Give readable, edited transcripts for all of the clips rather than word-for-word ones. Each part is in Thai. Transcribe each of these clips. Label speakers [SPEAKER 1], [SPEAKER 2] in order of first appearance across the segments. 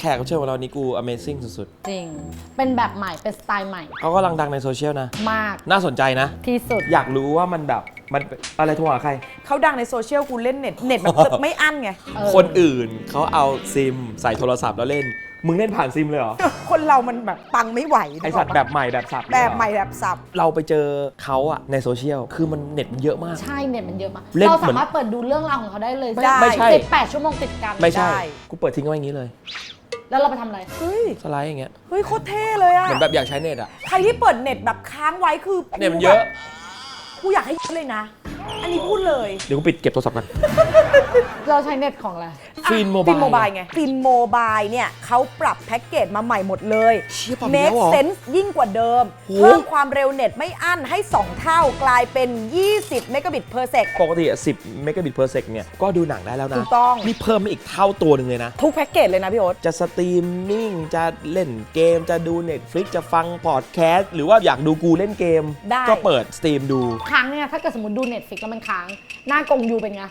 [SPEAKER 1] แขกรับเชิญของเรานี่กู Amazing สุด
[SPEAKER 2] จริงเป็นแบบใหม่เป็นสไตล์ใหม่
[SPEAKER 1] ๆเขากำลังดังในโซเชียลนะ
[SPEAKER 2] มาก
[SPEAKER 1] น่าสนใจนะ
[SPEAKER 2] ที่สุด
[SPEAKER 1] อยากรู้ว่ามันแบบมันอะไรโทรหาใคร
[SPEAKER 3] เขาดังในโซเชียลกูเล่นเน็ตแบบ ไม่อั้นไง
[SPEAKER 1] คนอื่นเขาเอาซิมใส่โทรศัพท์แล้วเล่น มึงเล่นผ่านซิมเลยเหรอ
[SPEAKER 3] คนเรามันแบบตังไม่ไหว
[SPEAKER 1] ไอสัตว์แบบใหม่แบบสับ
[SPEAKER 3] แบบใหม่แบบสับ
[SPEAKER 1] เราไปเจอเขาอะในโซเชียลคือมันเน็ตมันเยอะมาก
[SPEAKER 2] ใช่เน็ตมันเยอะมาก
[SPEAKER 1] เล่น
[SPEAKER 2] เรา
[SPEAKER 1] เหมือน
[SPEAKER 2] สามารถเปิดดูเรื่องราวของเขาได้เลย
[SPEAKER 1] ไม่ใช่
[SPEAKER 2] 18 ชั่วโมงติดกัน
[SPEAKER 1] ไม่ใช่
[SPEAKER 3] ได้
[SPEAKER 1] กูเปิดทิ้งไว้อย่างนี้เลย
[SPEAKER 2] แล้วเราไปทำอะไร
[SPEAKER 3] เฮ้ย
[SPEAKER 1] สไลด์อย่างเงี้ย
[SPEAKER 3] เฮ้ยโคตรเท่เลยอะ
[SPEAKER 1] เหมือนแบบอยากใช้เน็ตอะ
[SPEAKER 3] ใครที่เปิดเน็ตแบบค้างไว้คือ
[SPEAKER 1] เน็ตมันเยอะ
[SPEAKER 3] กูอยากให้เลยนะ อันนี้พูดเลย
[SPEAKER 1] เดี๋ยวกูปิดเก็บโทรศัพท์กัน
[SPEAKER 2] เราใช้เน็ตของอะไร
[SPEAKER 1] ฟินโมบาย
[SPEAKER 3] ฟินโมบายไงฟินโมบายเนี่ยเขาปรับแพ็กเกจมาใหม่หมดเลย
[SPEAKER 1] เชี่ยปรับอีกแล้ว
[SPEAKER 3] make
[SPEAKER 1] เหรอ
[SPEAKER 3] sense ยิ่งกว่าเดิม
[SPEAKER 1] โห
[SPEAKER 3] เพิ่มความเร็วเน็ตไม่อั้นให้ 2 เท่ากลายเป็น 20 เมกะบิตเพอร์เซก
[SPEAKER 1] ปกติอะ10 เมกะบิตเพอร์เซกเนี่ยก็ดูหนังได้แล้วนะ
[SPEAKER 3] ถูกต้อง
[SPEAKER 1] นี่เพิ่มมาอีกเท่าตัวหนึ่งเลยนะ
[SPEAKER 3] ทุกแพ็กเกจเลยนะพี่โอ๊ต
[SPEAKER 1] จะสตรีมมิ่งจะเล่นเกมจะดู Netflix จะฟังพอดแคสต์หรือว่าอยากดูกูเล่นเกม
[SPEAKER 3] ได้
[SPEAKER 1] ก็เปิดสตรีมดู
[SPEAKER 2] ค้างเนี่ยถ้าเกิดสมมติดูเน็ตฟิกแล้วมันค้างหน้ากงยูเป็นไง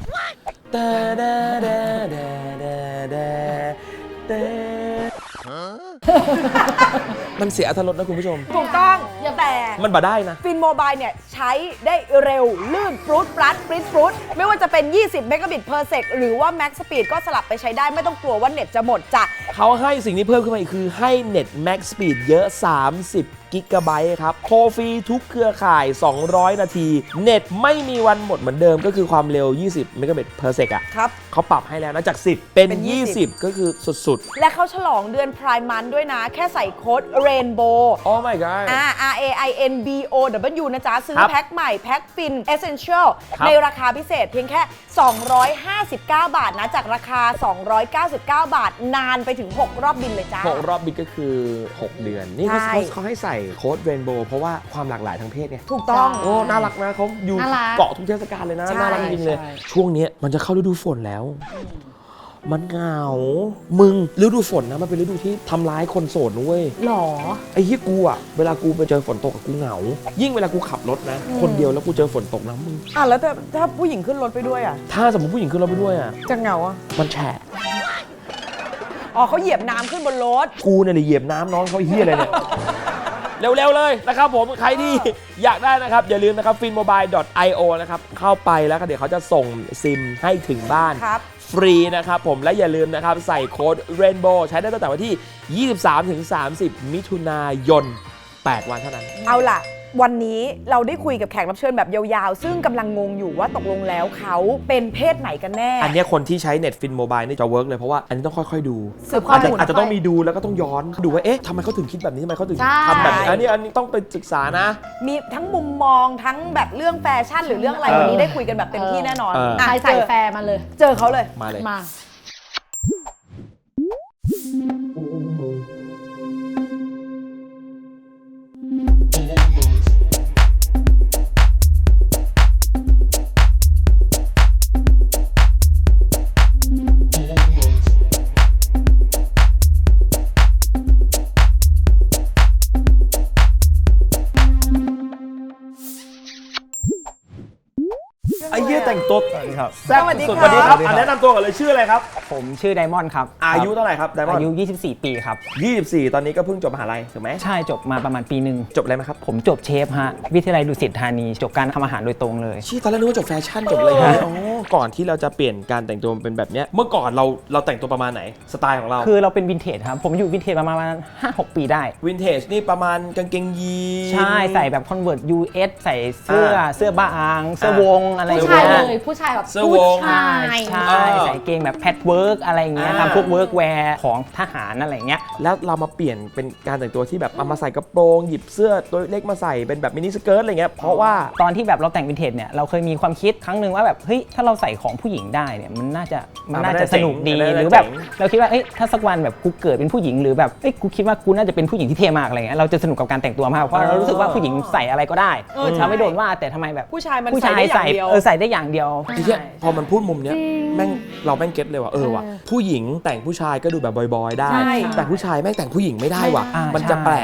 [SPEAKER 1] มันเสียอรรถรสนะคุณผู้ชม
[SPEAKER 3] ถูกต้องแต่
[SPEAKER 1] มันบ่ได้นะ
[SPEAKER 3] ฟินโมบายเนี่ยใช้ได้เร็ว ลื่นฟรุตปรัดปริ๊ดฟรุตไม่ว่าจะเป็น 20 เมกะบิตเพอร์เซกหรือว่าแม็กสปีดก็สลับไปใช้ได้ไม่ต้องกลัวว่าเน็ตจะหมดจ้ะ
[SPEAKER 1] เขาให้สิ่งที่เพิ่มขึ้นมาอีกคือให้เน็ต Max Speed เยอะ 30 กิกะไบต์ครับโทรฟรีทุกเครือข่าย 200 นาที เน็ตไม่มีวันหมดเหมือนเดิมก็คือความเร็ว 20 เมกะบิตเพอร์เซกอะ
[SPEAKER 3] ครับ
[SPEAKER 1] เขาปรับให้แล้วนะจาก 10 เป็น
[SPEAKER 3] เป็น
[SPEAKER 1] 20 ก็คือสุด
[SPEAKER 3] และเขาฉลองเดือนพรายมันด้วยนะ แค่ใส่โค้ด Rainbow
[SPEAKER 1] ๆ Oh my god
[SPEAKER 3] RAINBOW นะจ๊ะ ซื้อ
[SPEAKER 1] ครับ
[SPEAKER 3] แพ็คใหม่ แพ็คฟิน Essential
[SPEAKER 1] ครับ
[SPEAKER 3] ในราคาพิเศษเพียงแค่ 259 บาทนะ จากราคา 299 บาท นานไปถึง 6 รอบบินเลยจ้า
[SPEAKER 1] 6 รอบบินก็คือ 6 เดือน นี่
[SPEAKER 3] ใช่
[SPEAKER 1] เขาให้ใส่โค้ดเรนโบว์เพราะว่าความหลากหลายทางเพศไง
[SPEAKER 3] ถูกต้อง
[SPEAKER 1] โอ้ น่ารักนะเขาอยู่
[SPEAKER 2] น่ารัก
[SPEAKER 1] เกาะทุกเทศกาลเลยนะ
[SPEAKER 3] ใช่
[SPEAKER 1] น่ารักจริงๆเลย
[SPEAKER 2] ใช่
[SPEAKER 1] ช่วงเนี้ยมันจะเข้าฤดูฝนแล้ว มันเหงา มึงฤดูฝนนะมันเป็นฤดูที่ทำร้ายคนโสดนะเว้ย
[SPEAKER 2] หรอ
[SPEAKER 1] ไอ้เหี้ยกูอะเวลากูไปเจอฝนตกกับกูเหงา ยิ่งเวลากูขับรถนะ คนเดียวแล้วกูเจอฝนตกนะมึง
[SPEAKER 3] แล้วถ้าผู้หญิงขึ้นรถไปด้วยอ่ะ
[SPEAKER 1] ถ้าสมมติผู้หญิงขึ้นรถไปด้วยอะ
[SPEAKER 3] จะเหงาอ่ะ
[SPEAKER 1] มันแฉะ
[SPEAKER 3] อ๋อเขาเหยียบน้ำขึ้นบนรถ
[SPEAKER 1] กูเนี่ยเหยียบน้ำน้องเขาไอ้เหี้ยอะไรเนี่ย เร็วๆเลยนะครับผมใครที่อยากได้นะครับ อย่าลืมนะครับ finmobile.io นะครับ เข้าไปแล้วก็เดี๋ยวเขาจะส่งซิมให้ถึงบ้าน
[SPEAKER 3] ครับ
[SPEAKER 1] ฟรีนะครับผมและอย่าลืมนะครับ ใส่โค้ด Rainbow ใช้ได้ตั้งแต่วันที่ 23-30 มิถุนายน 8 วันเท่านั้น
[SPEAKER 3] เอาล่ะ วันนี้เราได้คุยกับแขกรับเชิญแบบยาวๆ ซึ่งกำลังงงอยู่ว่าตกลงแล้วเขาเป็นเพศไหนกันแน่
[SPEAKER 1] อันเนี้ยคนที่ใช้ Net Fin Mobile นี่จะเวิร์กเลยเพราะว่าอันนี้ต้องค่อยๆดู
[SPEAKER 3] สืบข้อมูล
[SPEAKER 1] อาจจะต้องมีดูแล้วก็ต้องย้อนดูว่าเอ๊ะทำไมเขาถึงคิดแบบนี้ทำไมเขาถึง
[SPEAKER 2] ใช่
[SPEAKER 1] ทำแบบนี้อันนี้ต้องไปศึกษานะ
[SPEAKER 3] มีทั้งมุมมองทั้งแบบเรื่องแฟชั่นหรือเรื่องอะไร วันนี้ได้คุยกันแบบเต็มที่แน่นอน
[SPEAKER 1] เออ
[SPEAKER 3] อ่ะ
[SPEAKER 2] ใครใส่แฟร์มาเลย
[SPEAKER 3] เจอเขาเลย
[SPEAKER 1] มาเลย
[SPEAKER 2] มา
[SPEAKER 1] ไอ้เหี้ยแต่งตัว
[SPEAKER 4] สวัสดีครับ
[SPEAKER 1] แซ่บ
[SPEAKER 3] สวัสดี
[SPEAKER 1] สุด
[SPEAKER 3] ครับ
[SPEAKER 1] สวัสดีครับอันแนะนำตัวก่อนเลยชื่ออะไรครับ
[SPEAKER 4] ผมชื่อไดมอนด์ครับ
[SPEAKER 1] อายุเท่าไหร่ครับไดมอน
[SPEAKER 4] อายุ
[SPEAKER 1] ด์
[SPEAKER 4] 24 ปีครับ
[SPEAKER 1] 24 ตอนนี้ก็เพิ่งจบมหาลัยถูกไหม
[SPEAKER 4] ใช่จบมาประมาณปีหนึ่ง
[SPEAKER 1] จบอะไรมาครับ
[SPEAKER 4] ผมจบเชฟฮะ วิทยาลัยดุสิตธานี จบการทำอาหารโดยตรงเลย
[SPEAKER 1] ชี้ตอนแรกนึกว่าจบแฟชั่นจบอะไรอย่างเงี้ยอ๋อก่อนที่เราจะเปลี่ยนการแต่งตัวเป็นแบบเนี้ยเมื่อก่อนเราแต่งตัวประมาณไหนสไตล์ของเรา
[SPEAKER 4] คือเราเป็นวินเทจครับ ผมอยู่วินเทจประมาณ 5-6 ปีได้
[SPEAKER 1] วินเทจนี่ประมาณกางเกงยีน
[SPEAKER 4] ใช่ใส่แบบคอนเวิร์ต US ใส่เสื้อบางเสื้อวงอะไรอย่าง
[SPEAKER 2] ผู้ชาย
[SPEAKER 4] เงี้ย
[SPEAKER 2] เลยผู้ชายแบบ
[SPEAKER 1] เสื้อวง
[SPEAKER 2] ผู้ชาย
[SPEAKER 4] ใช่ใส่เกงแบบแพทเวิร์กอะไรอย่างเงี้ย
[SPEAKER 1] อ่า
[SPEAKER 4] ทำพวกเวิร์กแวร์ของทหารอะไรอย่างเงี้ย
[SPEAKER 1] แล้วเรามาเปลี่ยนเป็นการแต่งตัวที่แบบเอามาใส่กระโปรงหยิบเสื้อตัวเล็กมาใส่เป็นแบบมินิสเกิร์ตอะไรเงี้ยเพราะว่า
[SPEAKER 4] ตอนที่แบบเราแต่งวินเทจเนี่ยเราเคยมีความคิดครั้งหนึ่งว่าแบบเฮ้ยถ้าเราใส่ของผู้หญิงได้เนี่ยมันน่าจะสนุกดี
[SPEAKER 1] มันน่าจะ
[SPEAKER 4] หรือแบบ
[SPEAKER 1] เจ๋ง
[SPEAKER 4] เราคิดว่าเอ้ยถ้าสักวันแบบกูเกิดเป็นผู้หญิงหรือแบบเอ้ยกูคิดว่ากูน่าจะเป็นผู้หญิงที่เท่มากอะไรเงี้ยเราจะสนุกกับการแต่งตัวมากเพราะเรารู้สึกว่าผู้หญิงใส่อะไรก็ได้
[SPEAKER 3] ใช่
[SPEAKER 4] เราไม่โดนว่าแต่ทำไมแบบ
[SPEAKER 3] ผู้ชายมัน
[SPEAKER 4] ผู้
[SPEAKER 3] ใส่
[SPEAKER 4] ชาย
[SPEAKER 3] ได้อย่า
[SPEAKER 4] ใส่
[SPEAKER 3] งเดียว
[SPEAKER 4] ใส่ได้อย่างเดียว
[SPEAKER 1] ไอ้เหี้ยพอมันพูดมุมเนี้ย
[SPEAKER 2] จริง
[SPEAKER 1] แม่งเราแม่งเก็ตเลยว่ะว่ะผู้หญิงแต่งผู้ชายก็ดูแบบบอยๆได้
[SPEAKER 3] ใช่
[SPEAKER 1] แต่ผู้ชายแม่งแต่งผู้หญิงไม่ได้ว่ะ
[SPEAKER 4] อ่ามั
[SPEAKER 1] มันจะ
[SPEAKER 4] ใช่
[SPEAKER 1] แปลกว่ะ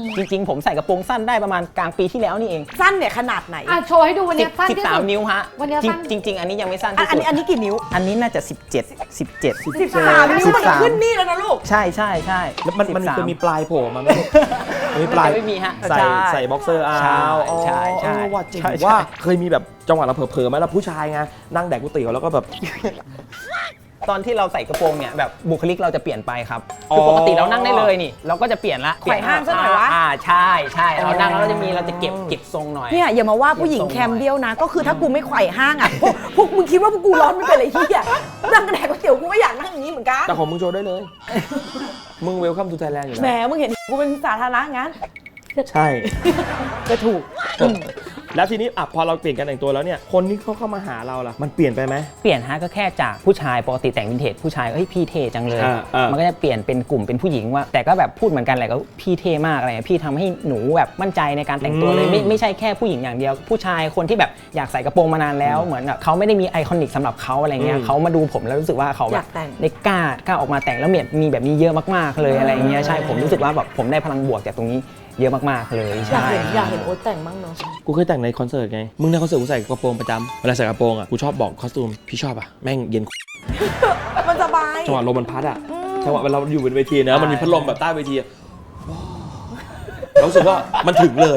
[SPEAKER 4] จริงๆผมใส่กระโปรงสั้นได้ประมาณกลางปีที่แล้วนี่เอง
[SPEAKER 3] สั้นเนี่ยขนาดไหน
[SPEAKER 2] อ่ะโชว์ให้ดูวันเนี้ยสั้นที่สุด
[SPEAKER 4] 13 นิ้วฮะ
[SPEAKER 2] วันเนี้ยสั้น
[SPEAKER 4] จริงๆ อันนี้ยังไม่สั้น
[SPEAKER 3] อั
[SPEAKER 4] ที่
[SPEAKER 3] น
[SPEAKER 4] สุด
[SPEAKER 3] นี้กี่นิ้ว
[SPEAKER 4] อันนี้น่าจะ 17
[SPEAKER 3] 13 นิ้วมันขึ้นนี่แล้วนะลูก
[SPEAKER 4] ใช่ใช่ใช่
[SPEAKER 1] แล้วมัน
[SPEAKER 4] 13
[SPEAKER 1] จะมีปลายโผล่มาไหมมีปลาย
[SPEAKER 4] ไม่มีฮะ
[SPEAKER 1] ใส่
[SPEAKER 4] ใช่
[SPEAKER 1] ใส่บ็อกเซอร์เอา
[SPEAKER 4] ใช่ใช่ใช่
[SPEAKER 1] ว่าจริง
[SPEAKER 4] ใช่ใช่
[SPEAKER 1] ว่าเคยมีแบบจังหวะเราเผลอๆไหมแล้วผู้ชายไงนั่งแดกก๋วยเตี๋ยวแล้วก็แบบ
[SPEAKER 4] ตอนที่เราใส่กระโปรงเนี่ยแบบบุคลิกเราจะเปลี่ยนไปครับ
[SPEAKER 1] อ๋อ
[SPEAKER 4] คือปกติเรานั่งได้เลยนี่ เราก็จะเปลี่ยนละ
[SPEAKER 3] ไขว่ห้างซะหน่อยวะ
[SPEAKER 4] ใช่ใช่เรานั่งแล้วเราจะเก็บทรงหน่อย
[SPEAKER 3] เนี่ยอย่ามาว่าผู้หญิงแคมเดียวนะ ก็คือถ้ากูไม่ไขว่ห้างอ่ะพวกมึงคิดว่าพวกกูร้อนไม่เป็นไรที่อ่ะนั่งกระแดกก๋วยเตี๋ยวกูก็อยากนั่งอย่างนี้เหมือนกัน
[SPEAKER 1] แต่ของมึงโชว์ได้เลย มึงเวลคัมทูไทยแลนด์อยู่
[SPEAKER 3] แหม
[SPEAKER 1] แล้ว
[SPEAKER 3] มึงเห็นกูเป็นสาธารณะงั้น
[SPEAKER 1] ใช่
[SPEAKER 3] ก็ถูก
[SPEAKER 1] แล้วทีนี้อ่ะพอเราเปลี่ยนการแต่งตัวแล้วเนี่ยคนที่เขาเข้ามาหาเราล่ะมันเปลี่ยนไปไหม
[SPEAKER 4] เปลี่ยนฮะก็แค่จากผู้ชายปกติแต่งวินเทจผู้ชายเฮ้ยพี่เท่จังเลย มันก็จะเปลี่ยนเป็นกลุ่มเป็นผู้หญิงว่าแต่ก็แบบพูดเหมือนกันแหละก็พี่เท่มากอะไรพี่ทำให้หนูแบบมั่นใจในการแต่งตัวเลยไม่ใช่แค่ผู้หญิงอย่างเดียว ผู้ชายคนที่แบบอยากใส่กระโปรงมานานแล้วเหมือนแบบเขาไม่ได้มีไอคอนิกสำหรับเขาอะไรเงี้ยเขามาดูผมแล้วรู้สึกว่าเขาแบบได้กล้าออกมาแต่งแล้วมีแบบนี้เยอะมากๆเลยอะไรเงี้ยใช่ผมรู้สึกว่าแบบผมได้พลังบวกจากตรงนี้เยอะมากๆเลย
[SPEAKER 3] อยาก
[SPEAKER 4] ใช่
[SPEAKER 3] เห็นโอ๊ตแต่งบ้างเนาะ
[SPEAKER 1] กูเคยแต่งในคอนเสิร์ตไงมึงในคอนเสิร์ตกูใส่กระโปรงประจำเวลาใส่กระโปรงอ่ะกูชอบบอกคอสตูมพี่ชอบอ่ะแม่งเย็น
[SPEAKER 3] มันสบาย
[SPEAKER 1] จังหวะลมมันพัดอ่ะจังหวะเวลาเราอยู่บนเวทีนะมันมีพัดลมแบบใต้เวทีอะเรารู้สึกว่ามันถึงเลย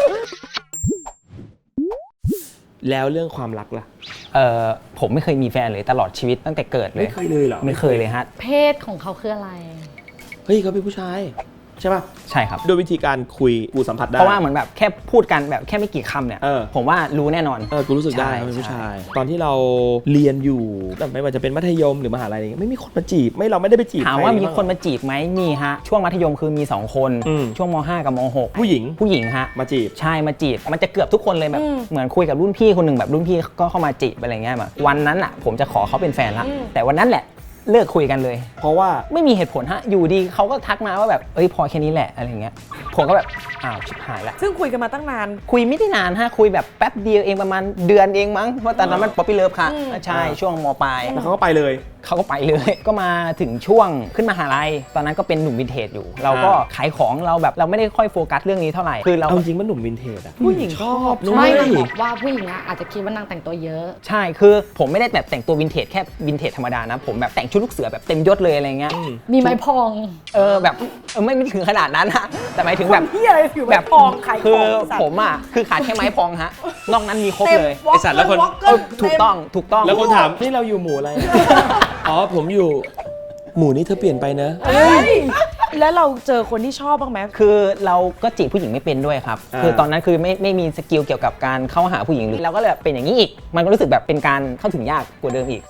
[SPEAKER 1] แล้วเรื่องความรักล่ะ
[SPEAKER 4] ผมไม่เคยมีแฟนเลยตลอดชีวิตตั้งแต่เกิดเลย
[SPEAKER 1] ไม่เคยเลยเหรอ
[SPEAKER 4] ไม่เคยเลยฮะ
[SPEAKER 2] เพศของเขาคืออะไร
[SPEAKER 1] เฮ้ยเขาเป็นผู้ชายใช่ป่ะ
[SPEAKER 4] ใช่ครับ
[SPEAKER 1] ด้วยวิธีการคุยกูสัมผัสได้
[SPEAKER 4] เพราะว่าเหมือนแบบแค่พูดกันแบบแค่ไม่กี่คำเนี่ย ผมว่ารู้แน่นอน
[SPEAKER 1] กูรู้สึกได้
[SPEAKER 4] ใช่
[SPEAKER 1] เขาเป็นผู้
[SPEAKER 4] ใช่
[SPEAKER 1] ชาย ตอนที่เราเรียนอยู่แต่ไม่ว่าจะเป็นมัธยมหรือมหาลัยไม่มีคนมาจีบเราไม่ได้ไปจีบ
[SPEAKER 4] ถาม
[SPEAKER 1] ใคร
[SPEAKER 4] ว่ามี
[SPEAKER 1] บ้ง
[SPEAKER 4] คนมาจีบไหมมีฮะช่วงมัธยมคือมี2 คน ช่วงม5กับม6
[SPEAKER 1] ผู้หญิง
[SPEAKER 4] ผู้หญิงฮะ
[SPEAKER 1] มาจีบ
[SPEAKER 4] ใช่มาจีบมันจะเกือบทุกคนเลยแบบเหมือนคุยกับรุ่นพี่คนหนึ่งแบบรุ่นพี่ก็เข้ามาจีบอะไรเงี้ยแบบวันนั้นอ่ะผมจะขอเขาเป็นแฟนละแต่วันนั้นแหละเลิกคุยกันเลย
[SPEAKER 1] เพราะว่า
[SPEAKER 4] ไม่มีเหตุผลฮะอยู่ดีเขาก็ทักมาว่าแบบเอ้ยพอแค่นี้แหละอะไรเงี้ยผมก็แบบอ้าวชิบหายละ
[SPEAKER 3] ซึ่งคุยกันมาตั้งนาน
[SPEAKER 4] คุยไม่ได้นานฮะคุยแบบแป๊บเดียวเองประมาณเดือนเองมั้งเพราะตอนนั้นมันป๊อปปี้เลิฟค่ะใช่ช่วงมปลาย
[SPEAKER 1] แล้วเขาก็ไปเลย
[SPEAKER 4] เขาก็ไปเลย ก็มาถึงช่วงขึ้นมหาลัยตอนนั้นก็เป็นหนุ่มวินเทจอยู่ เราก็ขายของเราแบบเราไม่ได้ค่อยโฟกัสเรื่องนี้เท่าไหร่คือเรา
[SPEAKER 1] เอาจริงมันหนุ่มวินเทจอะ
[SPEAKER 3] ผู้หญิงชอบ
[SPEAKER 1] นุ้
[SPEAKER 2] ไม่
[SPEAKER 1] ย
[SPEAKER 2] นางบอกว่าผู้หญิงอะอาจจะคิดว่านางแต่งตัวเยอะ
[SPEAKER 4] ใช่คือผมไม่ได้แบบแต่งตัววินเทจแค่วินเทจธรรมดานะผมแบบแต่งชุดลูกเสือแบบเต็มยศเลยอะไรเงี้ย
[SPEAKER 2] มีไม้พอง
[SPEAKER 4] แบบไม่ถึงขนาดนั้นฮะแต่หมายถึงแบบ
[SPEAKER 3] เฮียอะไรผิวแบบพองขายข
[SPEAKER 4] คือ
[SPEAKER 3] องสัตว์
[SPEAKER 4] ผมอ่ะคือขาดแค่ไม้พองฮะนอกนั้นมีครบ
[SPEAKER 3] เต็ม
[SPEAKER 4] เลย
[SPEAKER 3] วอล์ก
[SPEAKER 1] ไอ้สัตว์แล้วคน
[SPEAKER 3] วอล์กเกอร์
[SPEAKER 4] ถูกต้องถูกต้อง
[SPEAKER 1] แล้วคนถามนี่เราอยู่หมู่อะไร อ๋อผมอยู่หมู่นี้เธอเปลี่ยนไปนะ
[SPEAKER 3] เฮ้ยแล้วเราเจอคนที่ชอบบ้างไหม
[SPEAKER 4] คือเราก็จีบผู้หญิงไม่เป็นด้วยครับ คือตอนนั้นคือไม่มีสกิลเกี่ยวกับการเข้าหาผู้หญิงเลยเราก็เลยแบบเป็นอย่างนี้อีก มันก็รู้สึกแบบเป็นการเข้าถึงยากกว่าเดิมอีก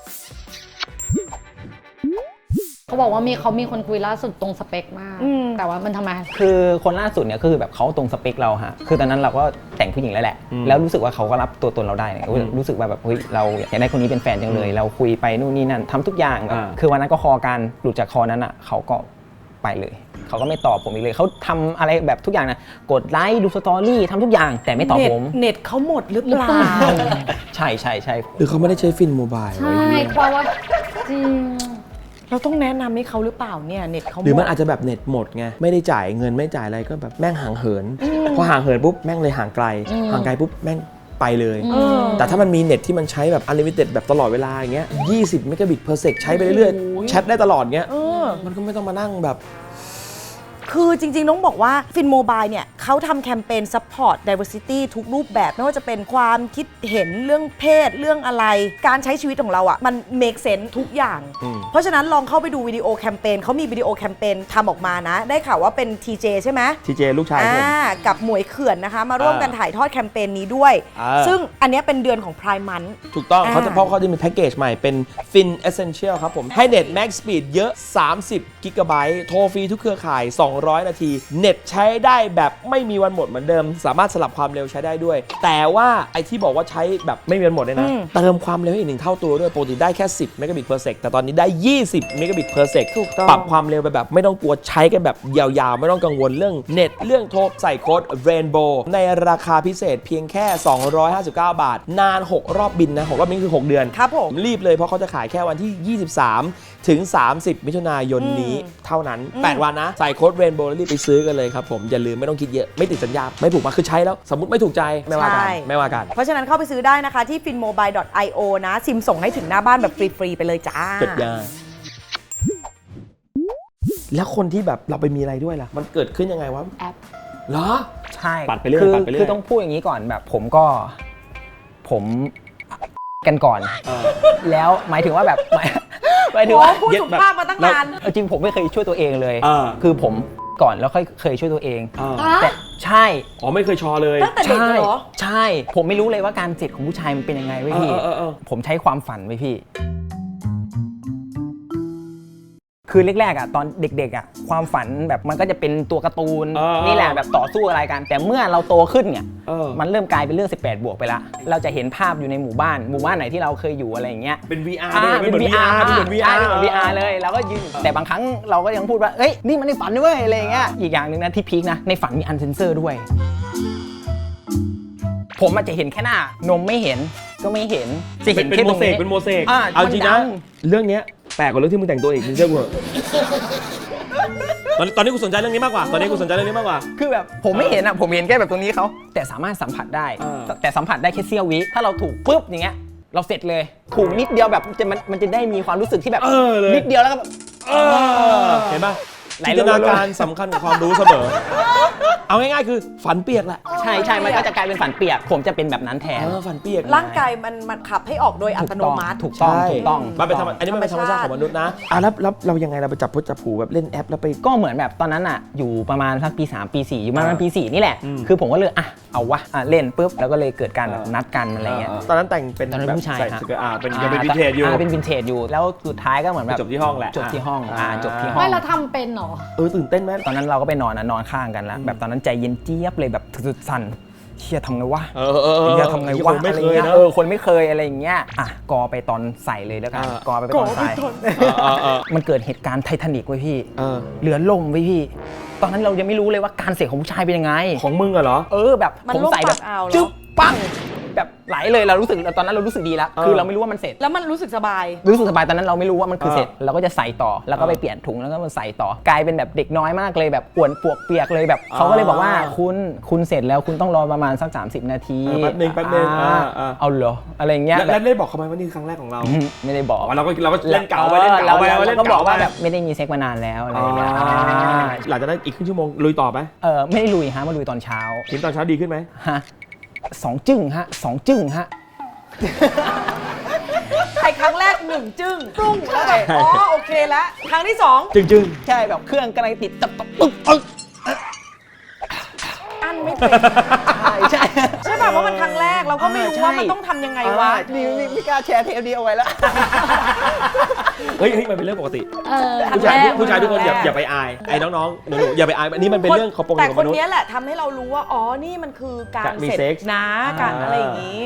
[SPEAKER 2] เขาบอกว่าเขามีคนคุยล่าสุดตรงสเปคมาก แต่ว่ามันทำไม
[SPEAKER 4] คือคนล่าสุดเนี่ยคือแบบเขาตรงสเปคเราฮะ คือตอนนั้นเราก็แต่งผู้หญิงแล้วแหละ แล้วรู้สึกว่าเขาก็รับตัวตนเราได้เนี่ยรู้สึกว่าแบบเฮ้ยเราอยากได้คนนี้เป็นแฟนจังเลย เราคุยไปนู่นนี่นั่นทำทุกอย่างแบบคือวันนั้นก็คอกันหลุดจากคอนั้นอ่ะเขาก็ไปเลย เขาก็ไม่ตอบผมอีกเลยเขาทำอะไรแบบทุกอย่างนะกดไลค์ดูสตอรี่ทำทุกอย่างแต่ไม่ตอบผม
[SPEAKER 3] เน็ตเขาหมดหรือเปล่า
[SPEAKER 4] ใช่ใช่ใช่
[SPEAKER 1] หรือเขาไม่ได้ใช้ฟินโมบาย
[SPEAKER 2] ใช่เพราะว่าจริง
[SPEAKER 3] เราต้องแนะนำให้เขาหรือเปล่าเนี่ยเน็ตเขาหมด
[SPEAKER 1] หรือมันอาจจะแบบเน็ตหมดไงไม่ได้จ่ายเงินไม่จ่ายอะไรก็แบบแม่งห่างเหินพอห่างเหินปุ๊บแม่งเลยห่างไกลห่างไกลปุ๊บแม่งไปเลย แต่ถ้ามันมีเน็ตที่มันใช้แบบ unlimited แบบตลอดเวลาอย่างเงี้ย20 เมกะบิต per sec ใช้ไปเรื่อยๆแชทได้ตลอดเงี้ยมันก็ไม่ต้องมานั่งแบบ
[SPEAKER 3] คือจริงๆ ต้องบอกว่าฟินโมบายเนี่ยเขาทำแคมเปญ support diversity ทุกรูปแบบไม่ว่าจะเป็นความคิดเห็นเรื่องเพศเรื่องอะไร การใช้ชีวิตของเราอ่ะมัน make sense ทุกอย่าง เพราะฉะนั้นลองเข้าไปดูวิดีโอแคมเปญเขามีวิดีโอแคมเปญทำออกมานะ ได้ข่าวว่าเป็น TJ ใช่ไหม
[SPEAKER 1] TJ ลูกชายผม
[SPEAKER 3] กับหมวยเขื่อนนะคะ มาร่วมกันถ่ายทอดแคมเปญนี้ด้วย ซึ่งอันเนี้ยเป็นเดือนของ Prime Month
[SPEAKER 1] ถูกต้องเขาจะเพราะเขาจะมีแพ็กเกจใหม่เป็น Fin Essential ครับผมให้เน็ต Max Speed เยอะ30 กิกะไบต์โทรฟรีทุกเครือข่าย200 นาทีเน็ตใช้ได้แบบไม่มีวันหมดเหมือนเดิมสามารถสลับความเร็วใช้ได้ด้วยแต่ว่าไอที่บอกว่าใช้แบบไม่มีวันหมดเนี่ยนะเติมความเร็วให้อีก1เท่าตัวด้วยปกติได้แค่10 เมกะบิต per sec แต่ตอนนี้ได้20 เมกะบิต per sec ปรับความเร็วไปแบบไม่ต้องกลัวใช้กันแบบยาวๆไม่ต้องกังวลเรื่องเน็ตเรื่องโทรใส่โค้ด Rainbow ในราคาพิเศษเพียงแค่259 บาทนาน6รอบบินนะ6รอบบินคือ6เดือน
[SPEAKER 3] ครับผม
[SPEAKER 1] รีบเลยเพราะเขาจะขายแค่วันที่23ถึง30 มิถุนายนนี้เท่านั้น8วันนะใส่โค้ด Rainbow แล้วรีบไปซื้อกันเลยครับผมอย่าลืมไม่ต้องคิดเยอะไม่ติดสัญญาไม่ผูกมาคือใช้แล้วสมมติไม่ถูกใจไม่ว่ากัน
[SPEAKER 3] ใช่
[SPEAKER 1] ไม่ว่ากัน
[SPEAKER 3] เพราะฉะนั้นเข้าไปซื้อได้นะคะที่ finmobile.io นะซิมส่งให้ถึงหน้าบ้านแบบฟรีๆไปเลยจ้า
[SPEAKER 1] สุดยอดแล้วคนที่แบบเราไปมีอะไรด้วยล่ะมันเกิดขึ้นยังไงวะ
[SPEAKER 2] แอป
[SPEAKER 1] เหรอ
[SPEAKER 4] ใช่
[SPEAKER 1] ปัดไปเรื่อย
[SPEAKER 4] คือ
[SPEAKER 1] ปัดไปเรื่อย
[SPEAKER 4] คือต้องพูดอย่างนี้ก่อนแบบผมกันก่อน แล้วหมายถึงว่าแบบหมายถึงว่า
[SPEAKER 3] พูดสุภาพมาตั้งนาน
[SPEAKER 4] จริงผมไม่เคยช่วยตัวเองเลย
[SPEAKER 1] อ่า
[SPEAKER 4] คือผมก่อนแล้วค่อยเคยช่วยตัวเอง
[SPEAKER 1] อ่า
[SPEAKER 4] แต่ใช่
[SPEAKER 1] อ๋อไม่เคยชอเลย
[SPEAKER 3] ตั้งแต่เด็กเลยเหรอ
[SPEAKER 4] ใช่ ผมไม่รู้เลยว่าการเสร็จของผู้ชายมันเป็นยังไงเว้ยพี่
[SPEAKER 1] เออ
[SPEAKER 4] ผมใช้ความฝันไว้พี่ คือแรกๆอ่ะตอนเด็กๆอ่ะความฝันแบบมันก็จะเป็นตัวการ์ตูนนี่แหละแบบต่อสู้อะไรกัน แต่เมื่อเราโตขึ้นเนี่ยมันเริ่มกลายเป็นเรื่อง18บวกไปละเราจะเห็นภาพอยู่ในหมู่บ้านไหนที่เราเคยอยู่อะไรอย่างเงี้ย
[SPEAKER 1] เป็น VR
[SPEAKER 4] เป็น VR
[SPEAKER 1] เป็นเหมือน VR
[SPEAKER 4] เป็นเหมือน VR เลยแล้วก็ยืนแต่บางครั้งเราก็ยังพูดว่าเอ้ยนี่มันในฝันด้วยอะไรอย่างเงี้ยอีกอย่างหนึ่งนะที่พีคนะในฝันมีอันเซนเซอร์ด้วย ผมอาจจะเห็นแค่หน้านมไม่เห็นก็ไม่เห็นจะเห็น
[SPEAKER 1] เป็น
[SPEAKER 4] แค่
[SPEAKER 1] โม
[SPEAKER 4] ตรง
[SPEAKER 1] เสก
[SPEAKER 4] นี้
[SPEAKER 1] เป็นโมเสก
[SPEAKER 4] อ่า
[SPEAKER 1] เอาจริงนะ
[SPEAKER 4] มันดัง
[SPEAKER 1] เรื่องเนี้ยแปลกกว่าเรื่องที่มึงแต่งตัวอีกมึงเชื่อกูเหรอตอนนี้กูสนใจเรื่องนี้มากกว่าตอนนี้กูสนใจเรื่องนี้มากกว่า
[SPEAKER 4] คือแบบผมไม่เห็นอ่ะผมเห็นแค่แบบตรงนี้เขาแต่สามารถสัมผัสได้ แต่สัมผัสได้แค่เสี้ยววิถ้าเราถูกปุ๊บอย่างเงี้ยเราเสร็จเลยถูกนิดเดียวแบบมันจะได้มีความรู้สึกที่แบบ
[SPEAKER 1] เลย
[SPEAKER 4] นิดเดียวแล้วก็แบบ
[SPEAKER 1] เห็นป่ะ
[SPEAKER 4] ไหล
[SPEAKER 1] จิน
[SPEAKER 4] ล
[SPEAKER 1] ต
[SPEAKER 4] ง
[SPEAKER 1] นาการสำคัญกว่าความรู้เสมอ เอาง่ายๆคือฝันเปียกแหละ
[SPEAKER 4] ใช่มันก็จะกลายเป็นฝันเปียกผมจะเป็นแบบนั้นแทน
[SPEAKER 1] ฝันเปียก
[SPEAKER 3] ร่างกายมันขับให้ออกโดยอัตโนมัติ
[SPEAKER 4] ถูกต้อง
[SPEAKER 1] ใช่
[SPEAKER 4] ถูกต้อง
[SPEAKER 1] มันเป็นธรรมอันนี้มันเป็นธรรมชาติของมนุษย์นะแล้วเรายังไงเราไปจับพุทธจับผูแบบเล่นแอปแล้วไป
[SPEAKER 4] ก็เหมือนแบบตอนนั้นอ่ะอยู่ประมาณสักปี3ปี4อยู่ประมาณปี4นี่แหละ
[SPEAKER 1] อืม
[SPEAKER 4] คือผมก็เลยเอาวะเล่นปุ๊บแล้วก็เลยเกิดการแบบนัดกันอะไรเงี้ย
[SPEAKER 1] ตอนนั้นแต่งเป็น
[SPEAKER 4] ตอนนั้น
[SPEAKER 1] แบบ
[SPEAKER 4] ผู้ชาย
[SPEAKER 1] ใส่
[SPEAKER 4] ฮะ
[SPEAKER 1] สเกิร์ตเป็นยังเป็นวินเทจอยู่
[SPEAKER 4] เป็นวินเทจอยู่แล้วสุดท้ายก็เหมือนแบบ
[SPEAKER 1] จบที่ห้องแหละ
[SPEAKER 4] จบที่ห้องจบที่ห้อง
[SPEAKER 2] ไม่เราทำเป็นเหรอ
[SPEAKER 1] ตื่นเต้นไหม
[SPEAKER 4] ตอนนั้นเราก็ไปนอนข้างกันแล้วแบบตอนนั้นใจเย็นเจี๊ยบเลยแบบสุดๆสั่นเชี่ยทำไงวะเชี่ยทำไงวะ
[SPEAKER 1] ไม่
[SPEAKER 4] อะไร
[SPEAKER 1] เคย
[SPEAKER 4] เงี้ย
[SPEAKER 1] นะ
[SPEAKER 4] คนไม่เคยอะไรอย่างเงี้ยกอไปตอนใส่เลยแล้วกันกอไปตอนใส่มันเกิดเหตุการณ์ไททานิกไว้พี่เรือล่มไว้พี่ ตอนนั้นเรายังไม่รู้เลยว่าการเสกของผู้ชายเป็นยังไง
[SPEAKER 1] ของมึงอะเหรอ
[SPEAKER 4] แบบ
[SPEAKER 3] มัน
[SPEAKER 4] ผม
[SPEAKER 3] ล่ม
[SPEAKER 4] ใส่แบบ
[SPEAKER 3] ปากอ่าวเหรอ
[SPEAKER 4] จึ๊บปังแบบไหลเลยเรารู้สึกตอนนั้นเรารู้สึกดีแล้วคือเราไม่รู้ว่ามันเสร็จ
[SPEAKER 3] แล้วมันรู้สึกสบาย
[SPEAKER 4] รู้สึกสบายตอนนั้นเราไม่รู้ว่ามันคือเสร็จเราก็จะใส่ต่อแล้วก็ไปเปลี่ยนถุงแล้วก็มาใส่ต่อกลายเป็นแบบเด็กน้อยมากเลยแบบอ้วนปวกเปียกเลยแบบเขาก็เลยบอกว่าคุณเสร็จแล้วคุณต้องรอประมาณสัก30 นาที
[SPEAKER 1] แป๊บนึง
[SPEAKER 4] เอาเหรออะไรเงี้ย
[SPEAKER 1] แล้วได้บอกเขาไหมว่านี่คือครั้งแรกของเรา
[SPEAKER 4] ไม่ได้บอก
[SPEAKER 1] เราก็เล่นเก่าไปเล่นเก่าไป
[SPEAKER 4] แล้วก็บอกว่าแบบไม่ได้มีเซ็กมานานแล้วอะไรเงี้ย
[SPEAKER 1] หลังจากนั้นอีกครึ่งชั่วโมงลุยต่อไหม
[SPEAKER 4] ไม่ได้ลุยฮะมาลุยตอนเช้า
[SPEAKER 1] ทีมตอนเช้าดีขึ้นไหม
[SPEAKER 4] ฮะ2 จึ้งฮะ2 จึ้งฮะ
[SPEAKER 3] ใครครั้งแรก1 จึ้งปรุ้งแล้วแบบโอเคแล้วครั้งที่2
[SPEAKER 1] จึง
[SPEAKER 4] ใช่แบบเครื่องกำลังติดตับปึ๊บ
[SPEAKER 3] อันไม่เป็น
[SPEAKER 4] ใช่
[SPEAKER 3] ใช่ป่ะเพราะมันครั้งแรกเราก็ไม่รู้ว่ามันต้องทำยังไงวะ
[SPEAKER 4] นี่ไม่กล้าแชร์เทปนี้เอาไว้แล้ว
[SPEAKER 1] เฮ้ยมันเป็นเรื่องปกติ
[SPEAKER 3] ครั้ง
[SPEAKER 1] ผู้ชาย
[SPEAKER 3] แรก
[SPEAKER 1] ทุกคนอย่าไปอายไอ้น้องๆหนูๆอย่าไปอายอันนี้มันเป็นเรื่องของปกติ
[SPEAKER 3] แต่
[SPEAKER 1] ของ
[SPEAKER 3] ค
[SPEAKER 1] ม
[SPEAKER 3] น
[SPEAKER 1] นุษย์
[SPEAKER 3] นี้แหละทำให้เรารู้ว่านี่มันคือการ
[SPEAKER 1] มี
[SPEAKER 3] เสร็จ
[SPEAKER 1] เซ็กส์
[SPEAKER 3] นะการอะไรอย่างนี้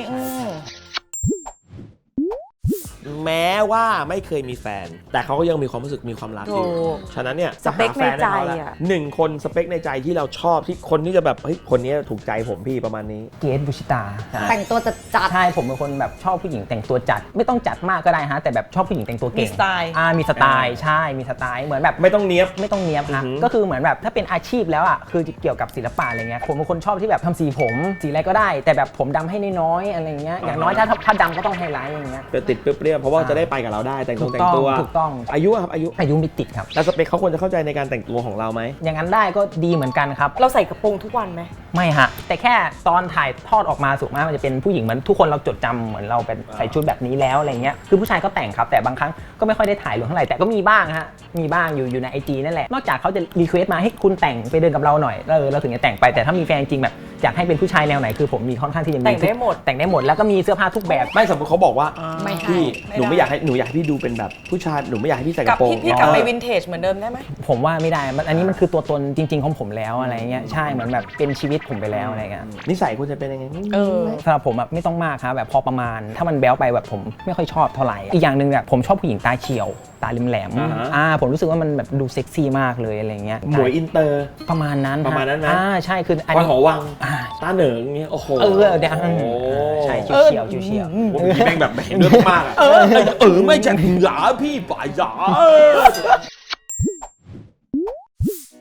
[SPEAKER 1] แม้ว่าไม่เคยมีแฟน แต่เขาก็ยังมีความรู้สึกมีความรักอยู่
[SPEAKER 3] ถูก
[SPEAKER 1] ฉะนั้นเนี่ย
[SPEAKER 3] สเปคในใจ
[SPEAKER 1] หาแฟนให้เขาละ
[SPEAKER 3] อะ
[SPEAKER 1] 1 คนสเปคในใจที่เราชอบที่คนที่จะแบบเฮ้ยคนนี้ถูกใจผมพี่ประมาณนี้
[SPEAKER 4] เกรทบุชิตา
[SPEAKER 2] แต่งตัวจัด
[SPEAKER 4] ใช่ผมเป็นคนแบบชอบผู้หญิงแต่งตัวจัด ไม่ต้องจัดมากก็ได้ฮะแต่แบบชอบผู้หญิงแต่งตัวเก่ง
[SPEAKER 3] มีสไตล์
[SPEAKER 4] มีสไตล์ใช่มีสไตล์เหมือนแบบ
[SPEAKER 1] ไม่ต้องเนี้ยบ
[SPEAKER 4] ไม่ต้องเนียบฮะ
[SPEAKER 1] อือหือ
[SPEAKER 4] ก็คือเหมือนแบบถ้าเป็นอาชีพแล้วอ่ะคือเกี่ยวกับศิลปะอะไรเงี้ยผมเป็นคนชอบที่แบบทำสีผมสีอะไรก็ได้ แต่แบบผมดำให้น้อยๆอะไรเงี้ยอย่างน้อยถ้าดำก็ต้องไฮไลท์อย่างเงี้ย
[SPEAKER 1] ติดเปรี้ยวๆเพราะว่าจะได้ไปกับเราได้แต่งตัว
[SPEAKER 4] ถูกต้อง
[SPEAKER 1] อายุอะครับอายุ
[SPEAKER 4] อายุมิติครับ
[SPEAKER 1] แล้วสเปคเขาควรจะเข้าใจในการแต่งตัวของเราไหม
[SPEAKER 4] อย่างนั้นได้ก็ดีเหมือนกันครับ
[SPEAKER 3] เราใส่กระโปรงทุกวันไหม
[SPEAKER 4] ไม่ฮะแต่แค่ตอนถ่ายทอดออกมาสุดมากมันจะเป็นผู้หญิงเหมือนทุกคนเราจดจำเหมือนเราเป็นใส่ชุดแบบนี้แล้วอะไรเงี้ยคือผู้ชายก็แต่งครับแต่บางครั้งก็ไม่ค่อยได้ถ่ายลงเท่าไหร่แต่ก็มีบ้างฮะมีบ้างอยู่ใน IG นั่นแหละนอกจากเขาจะรีเควสต์มาให้คุณแต่งไปเดินกับเราหน่อยเราถึงจะแต่งไปแต่ถ้ามีแฟนจริงแบบอยากให้เป็นผู้ชายแนวไหนคือผมมีค่อนข้างที่จะมี
[SPEAKER 3] แต่งได้หมด
[SPEAKER 4] แต่งได้หมดแล้วก็มีเสื้อผ้าทุกแบบ
[SPEAKER 1] ไม่สมมติเขาบอกว่า
[SPEAKER 2] ไม่ให้
[SPEAKER 1] พี่หนูไม่อยากให้พี่ดูเป็นแบบผู้ชายหนูไม่อยากให้พี่ใส่ก
[SPEAKER 3] กลับ
[SPEAKER 1] ระโปรง
[SPEAKER 3] พี่กลับไปวินเทจเหมือนเดิมได้ไหม
[SPEAKER 4] ผมว่าไม่ได้อันนี้มันคือตัวตนจริง ๆของผมแล้วอะไรเงี้ยใช่เหมือนแบบเป็นชีวิตผมไปแล้วอะไรเงี้ย
[SPEAKER 1] นิสัยควรจะเป็นยังไง
[SPEAKER 4] สำหรับผมแบบไม่ต้องมากครับแบบพอประมาณถ้ามันแบ๊วไปแบบผมไม่ค่อยชอบเท่าไหร่อีกอย่างหนึ่งแบบผมชอบผู้หญิงตาเฉียวตาแหลมๆผมรู้สึกว่ามันแบบดูเซ็กซี่มากเลยอะไรเงี้ย
[SPEAKER 1] หมวยอินเตอร์
[SPEAKER 4] ประมาณนั้น
[SPEAKER 1] ประมาณนั้นนะ
[SPEAKER 4] ใช่คืออัน
[SPEAKER 1] คอย
[SPEAKER 4] นี้
[SPEAKER 1] หอวังตาเหนิงเงี้ยโอ้โห
[SPEAKER 4] เดี๋ยว
[SPEAKER 1] โอ้โห
[SPEAKER 4] ใช่เฉียวเฉียว
[SPEAKER 1] ผมแม่งแบบเห็นด้วยมากอะไม่จัดหยาพี่ป่าหยา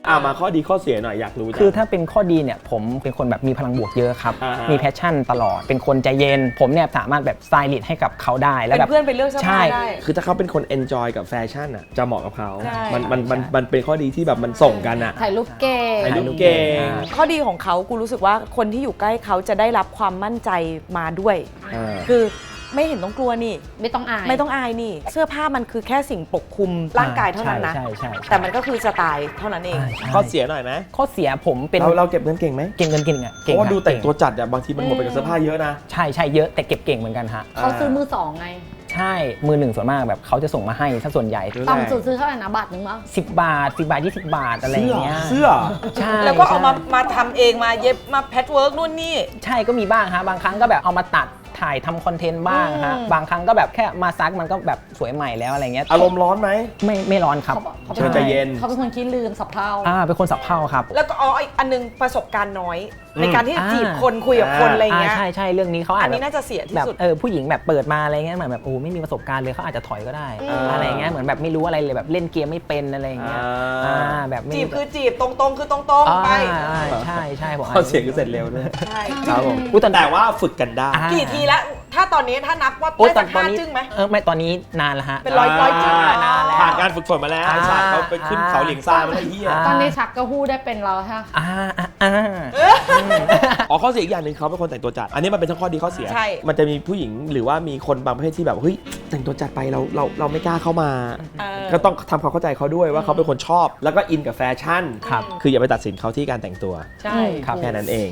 [SPEAKER 1] มาข้อดีข้อเสียหน่อยอยากรู้จัง
[SPEAKER 4] คือถ้าเป็นข้อดีเนี่ยผมเป็นคนแบบมีพลังบวกเยอะครับ
[SPEAKER 1] อ่าฮะ
[SPEAKER 4] มีแพชชั่นตลอดเป็นคนใจเย็นผมเนี่ยสามารถแบบสไตลิสต์ให้กับเขาได้แล้ว
[SPEAKER 3] เป็น
[SPEAKER 4] แบบ
[SPEAKER 3] เพื่อนไปเลือกเสื้อผ้า
[SPEAKER 4] ใช่
[SPEAKER 3] ได้
[SPEAKER 1] คือถ้าเขาเป็นคน enjoy กับแฟชั่นอ่ะจะเหมาะกับเขา
[SPEAKER 3] ใช่
[SPEAKER 1] มันเป็นข้อดีที่แบบมันส่งกันอ่ะ
[SPEAKER 2] ถ่ายรูปเก่ง
[SPEAKER 1] ถ่ายรูปเก่ง
[SPEAKER 3] ข้อดีของเขากูรู้สึกว่าคนที่อยู่ใกล้เขาจะได้รับความมั่นใจมาด้วย
[SPEAKER 1] อ่า
[SPEAKER 3] คือไม่เห็นต้องกลัวนี่
[SPEAKER 2] ไม่ต้องอาย
[SPEAKER 3] ไม่ต้องอายนี่ เสื้อผ้ามันคือแค่สิ่งปกคลุมร่างกายเท่านั้นนะ
[SPEAKER 4] ใช่ใช่
[SPEAKER 3] แต่มันก็คือสไตล์เท่านั้นเอง
[SPEAKER 1] ข้อเสียหน่อยไหม
[SPEAKER 4] ข้อเสียผมเป็น
[SPEAKER 1] เราเก็บเงินเก่งไหม
[SPEAKER 4] เก่งเงินเก่งอ่ะ
[SPEAKER 1] เพ
[SPEAKER 4] เก่ง
[SPEAKER 1] ราะว่า
[SPEAKER 4] ครับ
[SPEAKER 1] ดูแต่งตัว
[SPEAKER 4] เก่
[SPEAKER 1] จัดอ่ะบางทีมันหมดไปกับเสื้อผ้าเยอะนะ
[SPEAKER 4] ใช่เยอะแต่เก็บเก่งเหมือนกันฮะ
[SPEAKER 2] เขาซื้อมือสองไง
[SPEAKER 4] ใช่มือหนึ่งส่วนมากแบบเขาจะส่งมาให้ถ้าส่วนใหญ่
[SPEAKER 1] รู้
[SPEAKER 2] ต่ำสุดซื้อเท่าไหร่นะบาทนึงมั้ง
[SPEAKER 4] 10 บาท10 บาท20 บาทอะไรอย่างเงี้ย
[SPEAKER 1] เสื้อ
[SPEAKER 4] ใช่
[SPEAKER 3] แล้วก็เอา
[SPEAKER 4] ใช่
[SPEAKER 3] มาทำเองมาเย็บมาแพทเวิร์กนู่นนี่
[SPEAKER 4] ใช่ก็มีบ้างฮะบางครั้งก็แบบเอามาตัดถ่ายทำคอนเทนต์บ้างฮะบางครั้งก็แบบแค่มาซักมันก็แบบสวยใหม่แล้วอะไรเงี้ย
[SPEAKER 1] อารมณ์ร้อนไหม
[SPEAKER 4] ไม่ร้อนครับ
[SPEAKER 2] เขา
[SPEAKER 1] เชิญใจเย็น
[SPEAKER 2] เขาเป็นคนขี้ลืมสับเท่า
[SPEAKER 4] เป็นคนสับเพ่าครับ
[SPEAKER 3] แล้วก็อีกอันนึงประสบการณ์น้อย ในการที่จะ
[SPEAKER 4] อ่า
[SPEAKER 3] จีบคนคุยกับคนอะไรเงี้ย
[SPEAKER 4] ใช่เรื่องนี้เขา
[SPEAKER 3] อั
[SPEAKER 4] อาจ
[SPEAKER 3] นนี้
[SPEAKER 4] จะ
[SPEAKER 3] น่าจะเสียที่
[SPEAKER 4] แบบ
[SPEAKER 3] สุด
[SPEAKER 4] ผู้หญิงแบบเปิดมาอะไรเงี้ยเหมือนแบบโอ้ไม่มีประสบการณ์เลยเขาอาจจะถอยก็ได้ อะไรเงี้ยเหมือนแบบไม่รู้อะไรเลยแบบเล่นเกมไม่เป็นอะไรเงี้ยแบบไม่
[SPEAKER 3] จีบคือจีบตรงๆคือตรงๆไป
[SPEAKER 4] ใช่ผม
[SPEAKER 1] ข้อเสียคือเสร็จเร็วด้วย
[SPEAKER 3] ใช่
[SPEAKER 1] ครับผม
[SPEAKER 4] อุ๊ยตอน
[SPEAKER 1] แต่ว่าฝึกกันได้
[SPEAKER 3] กี่ทีแล้ว ถ้าตอนนี้ถ้านับว่า
[SPEAKER 4] โอ้
[SPEAKER 3] ได้
[SPEAKER 4] ตอ
[SPEAKER 3] สั
[SPEAKER 4] น
[SPEAKER 3] ก
[SPEAKER 4] ตอน
[SPEAKER 3] ห้า
[SPEAKER 4] นี้
[SPEAKER 3] จึ้งไหม
[SPEAKER 4] ไม่ตอนนี้นานแล้วฮะ
[SPEAKER 3] เป็นร้อยจึ้ง
[SPEAKER 4] นานแล้ว
[SPEAKER 1] ผ่านการฝึกฝนมาแล้วไอ้สัตว์เขาไปขึ้นเขาเหลียงซ่ามาแล้วไอ้เหี้ย
[SPEAKER 2] ตอนนี้ชักก็พูดได้เป็นเราใช่ไหม
[SPEAKER 1] อ๋อข้อเสียอีกอย่างหนึ่งเขาเป็นคนแต่งตัวจัด อันนี้มันเป็นทั้งข้อดีข้อเสีย
[SPEAKER 3] ใช่
[SPEAKER 1] มันจะมีผู้หญิงหรือว่ามีคนบางประเภทที่แบบเฮ้ยแต่งตัวจัดไปเราไม่กล้าเข้ามา ก็ต้องทำความเข้าใจเขาด้วยว่าเขาเป็นคนชอบ แล้วก็อินกับแฟชั่น
[SPEAKER 4] ครับ
[SPEAKER 1] คืออย่าไปตัดสินเขาที่การแต่งตัว
[SPEAKER 3] ใช่
[SPEAKER 4] ครับ
[SPEAKER 1] แค่นั้นเอง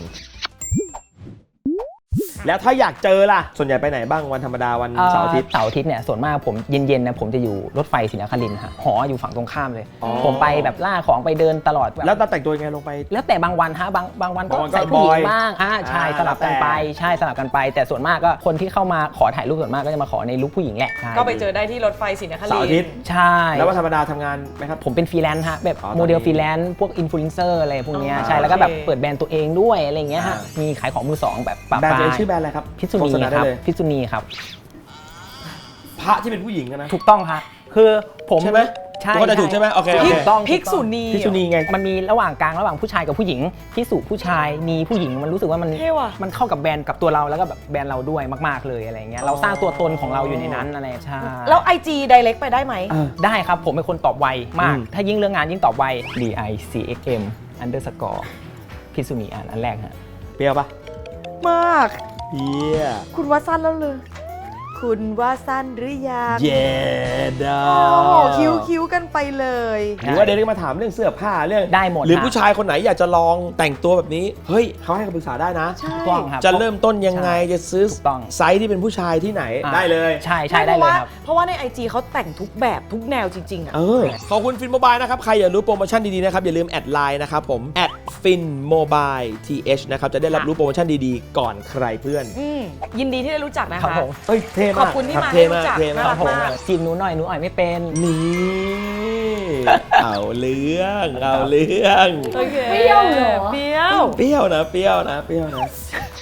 [SPEAKER 1] แล้วถ้าอยากเจอล่ะ ส่วนใหญ่ไปไหนบ้างวันธรรมดาวันเสาร์อาทิตย์
[SPEAKER 4] เสาร์อาทิตย์เนี่ยส่วนมากผมเย็นๆนะผมจะอยู่รถไฟศรีนครินทร์ฮะหออยู่ฝั่งตรงข้ามเลย
[SPEAKER 1] อ๋อ
[SPEAKER 4] ผมไปแบบล่าของไปเดินตลอดบบ
[SPEAKER 1] แล้วแต่งตัวยังไงลงไป
[SPEAKER 4] แล้วแต่บางวันฮะบางวันก็
[SPEAKER 1] บางวันก็
[SPEAKER 4] ใส่ผู้หญิ
[SPEAKER 1] บอง ย
[SPEAKER 4] บ้างใช่สลับกันไป
[SPEAKER 1] แล้วแต่
[SPEAKER 4] ใช่สลับกันไป แต่ส่วนมากก็คนที่เข้ามาขอถ่ายรูปส่วนมากก็จะมาขอในลุคผู้หญิงแหละใช่
[SPEAKER 3] ก็ไปเจอได้ที่รถไฟศรีนครินทร์
[SPEAKER 1] เสาร์อาทิตย์
[SPEAKER 4] ใช่
[SPEAKER 1] แล้ววันธรรมดาทำงานไหมครับ
[SPEAKER 4] ผมเป็นฟรีแลนซ์ฮะแบบ
[SPEAKER 1] อ๋อตอนนี้
[SPEAKER 4] โมเดลฟรีแลนซ์พวกอินฟลูเอนเซอร์อะไรพวกเนี้ย
[SPEAKER 3] อ๋อ
[SPEAKER 4] ใช่แล้วก็แบบ
[SPEAKER 3] โอเค
[SPEAKER 4] เปิดแบรนด์ตัวเองด้วยอะไรอย่างเงี้ยฮะมีขายของมือสองแบบปะ
[SPEAKER 1] แบรนด์
[SPEAKER 4] ปา
[SPEAKER 1] ตัวเองชื่อแบรนด์อะไรครับ
[SPEAKER 4] พิษุ
[SPEAKER 1] โฆ
[SPEAKER 4] นี
[SPEAKER 1] ษณา
[SPEAKER 4] ค
[SPEAKER 1] ได้
[SPEAKER 4] รับ
[SPEAKER 1] เลย
[SPEAKER 4] พิษุนีครับ
[SPEAKER 1] พระที่เป็นผู้หญิงอะนะ
[SPEAKER 4] ถูกต้องฮะคือผม
[SPEAKER 1] ใช่ไหม
[SPEAKER 4] ใช่
[SPEAKER 1] ทุกคนจะถูกใช่ไหมโอเคโอ
[SPEAKER 3] พิ
[SPEAKER 1] เค
[SPEAKER 3] ก
[SPEAKER 4] ต้อง
[SPEAKER 3] พิกษุนี
[SPEAKER 1] พิษุนีไง
[SPEAKER 4] มันมีระหว่างกลางระหว่างผู้ชายกับผู้หญิงพิสุผู้ชายนีผู้หญิงมันรู้สึกว่ามัน
[SPEAKER 3] เท่ว่ะ
[SPEAKER 4] มันเข้ากับแบรนด์กับตัวเราแล้วก็แบบแบรนด์เราด้วยมากๆเลยอะไรเงี้ยเราสร้างตัวตนของเราอยู่ในนั้นอะไรใช่
[SPEAKER 3] แล้ว IG Direct ไปได้ไหม
[SPEAKER 4] ได้ครับผมเป็นคนตอบไวมาก
[SPEAKER 1] อืม
[SPEAKER 4] ถ้ายิ่งเรื่องงานยิ่งตอบไว DICXM underscore พิษุนีอันแรกฮะ
[SPEAKER 1] เปรี้ยวปะ
[SPEAKER 3] มาก
[SPEAKER 1] เฮีย
[SPEAKER 3] คุณว่าสั้นแล้วเลย คุณว่าสั้นหรือยัง
[SPEAKER 1] เย็ดอ่ะ
[SPEAKER 3] โอ้โหคิ้วกันไปเลย
[SPEAKER 1] หรือว่าเดนก็มาถามเรื่องเสื้อผ้าเรื่อง
[SPEAKER 4] ได้หมด
[SPEAKER 1] หรือ
[SPEAKER 4] ฮะ
[SPEAKER 1] ผู้ชายคนไหนอยากจะลองแต่งตัวแบบนี้ เฮ้ยเขาให้คำปรึกษาได้นะ
[SPEAKER 3] ใช่
[SPEAKER 4] ถูกต้องครับ
[SPEAKER 1] จะเริ่มต้นยังไงจะซื้อ
[SPEAKER 4] ถูกต้อง
[SPEAKER 1] ไซส์ที่เป็นผู้ชายที่ไหน
[SPEAKER 4] อ่า
[SPEAKER 1] ได้เลย
[SPEAKER 4] ใช่ได้เลยครับ
[SPEAKER 3] เพราะว่าใน IG เขาแต่งทุกแบบทุกแนวจริง ๆ อ่ะ
[SPEAKER 1] ขอบคุณฟินโมบายนะครับ ใครอยากรู้โปรโมชั่นดีๆนะครับ อย่าลืมแอดไลน์นะครับผมแอดฟินโมบายทีเอชนะครับ จะได้รับรู้โปรโมชั่นดีๆ ก่อนใครเพื่อน
[SPEAKER 3] ยินดีที่ได้รู้จักนะ
[SPEAKER 4] ครั
[SPEAKER 3] คะ
[SPEAKER 4] บผม
[SPEAKER 1] เฮ้ยเท่มาก
[SPEAKER 3] ขอบคุณที่
[SPEAKER 1] รับ
[SPEAKER 3] มา
[SPEAKER 1] เท่
[SPEAKER 3] ให้รู้
[SPEAKER 1] มาก
[SPEAKER 3] จัก
[SPEAKER 1] เท่
[SPEAKER 3] น่า
[SPEAKER 1] มา
[SPEAKER 3] รั
[SPEAKER 1] ก
[SPEAKER 3] กมาก
[SPEAKER 4] จีบหนูหน่อยหนูอ่อยไม่เป็น
[SPEAKER 1] นี่เอาเรื่องเอาเรื่อง
[SPEAKER 3] โอเค
[SPEAKER 2] เปรี้ยวเหรอ
[SPEAKER 3] เปรี้ยว
[SPEAKER 1] เปรี้ยวนะ